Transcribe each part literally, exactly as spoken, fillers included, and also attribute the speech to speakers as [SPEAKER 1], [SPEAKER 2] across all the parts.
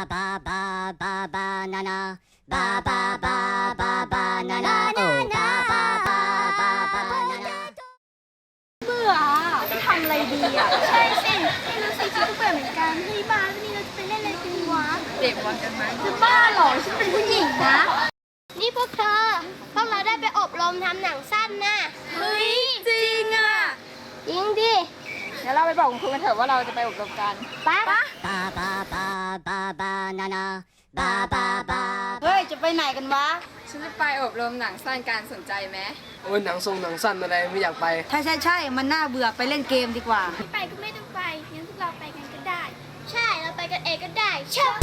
[SPEAKER 1] ba ba ba banana ba ba ba ba banana oh ba ba ba ba banana
[SPEAKER 2] เบื่อจะทำอะไรดีอ่ะใช่สิไม่รู้สิฉันก็เบื่อเหมือนกันเฮ้ยบ้านวันนี้เราจะไปเล่นอะไรกันวะเด็กวันกันไหมจะบ้าเหรอฉันเป็นผู้หญิงนะนี่พวกเธอพวกเราได้ไปอบรมทำหนังสั้นนะเฮ้ยจริงอ่ะจริงดิเดี๋ยวเราไปบอกคุณครูกันเถอะว่าเราจะไปอบรมกันปะ
[SPEAKER 1] ba ba ba ba banana ba ba ba
[SPEAKER 2] เฮ้ยจะไปไหนกันวะ
[SPEAKER 3] ฉันจะไปอบรมหนังสั้นการสนใจไหม
[SPEAKER 4] โอ้ยหนังทรงหนังสั้นอะไรไม่อยากไป
[SPEAKER 5] ใช่ใช่ใช่มันน่าเบื่อไปเล่นเกมดีกว่า
[SPEAKER 2] ไม่ไปก็ไม่ต้องไปงั้นพวกเราไปกันก็ได้ ใช่เราไปกันเองก็ได้เช่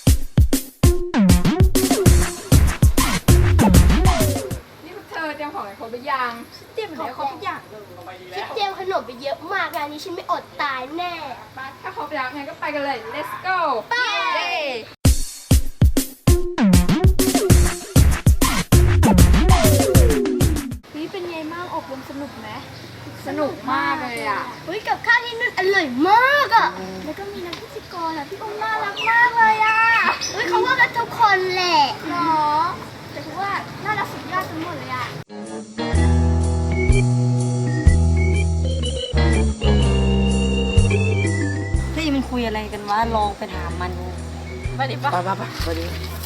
[SPEAKER 3] นี่พวกเธอเตรียมของให้ครบหรือยัง
[SPEAKER 2] เตรียมของครบทุกอย่างเลยฉันเตรียมขนมไปเยอะมากงานนี้ฉันไม่อดตายแน่
[SPEAKER 3] ไปถ้าครบแล้วงั้นก็ไปกันเลย let's go
[SPEAKER 2] ไป
[SPEAKER 3] เย้
[SPEAKER 2] นี่เป็นไงบ้างอบรมสนุกไหม
[SPEAKER 3] สนุกมากเลยอ่ะ
[SPEAKER 2] เฮ้ยกับข้าวที่นู่นอร่อยมากอ่ะ แล้วก็มีนักพิธีกรอ่ะพี่องค์น่ารักมากเลยอ่ะ เฮ้ยเขาว่ากันทุกคนแหละหรอแต่คือว่าน่ารักสุดยอดทั้งหมดเลยอ่ะ
[SPEAKER 5] เฮ้ยมันคุยอะไรกันวะ ลองไปถามมันดู
[SPEAKER 3] ไปดิปะ
[SPEAKER 4] ไปไปไปไปดิ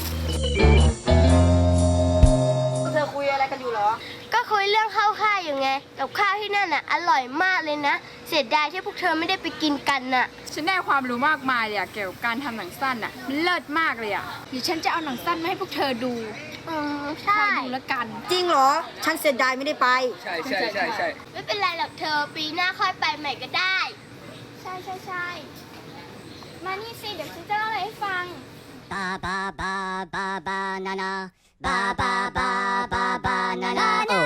[SPEAKER 5] เธอคุยอะไรกันอยู่เหรอ
[SPEAKER 2] ก็คุยเรื่องข้าวค่ายอยู่ไง กับข้าวที่นั่นอ่ะอร่อยมากเลยนะ เสียดายที่พวกเธอไม่ได้ไปกินกันน่ะ
[SPEAKER 3] ฉันได้ความรู้มากมายเลยอะเกี่ยวกับการทำหนังสั้นอ่ะมันเลิศมากเลยอ่ะเดี๋ยวฉันจะเอาหนังสั้นมาให้พวกเธอดู
[SPEAKER 2] อืม
[SPEAKER 3] ค
[SPEAKER 2] ใช่
[SPEAKER 3] อยดูแล้วกัน
[SPEAKER 5] จริงเหรอ ฉันเสียดายไม่ได้ไป
[SPEAKER 4] ใช่ใช่ใช่ใช่
[SPEAKER 2] ไม่เป็นไรหรอกเธอปีหน้าค่อยไปใหม่ก็ได้ ใช่ใช่ใช่มานี่สิเดี๋ยวฉันจะเล่าอะไรให้ฟัง
[SPEAKER 1] ba ba ba ba banana ba ba ba ba banana oh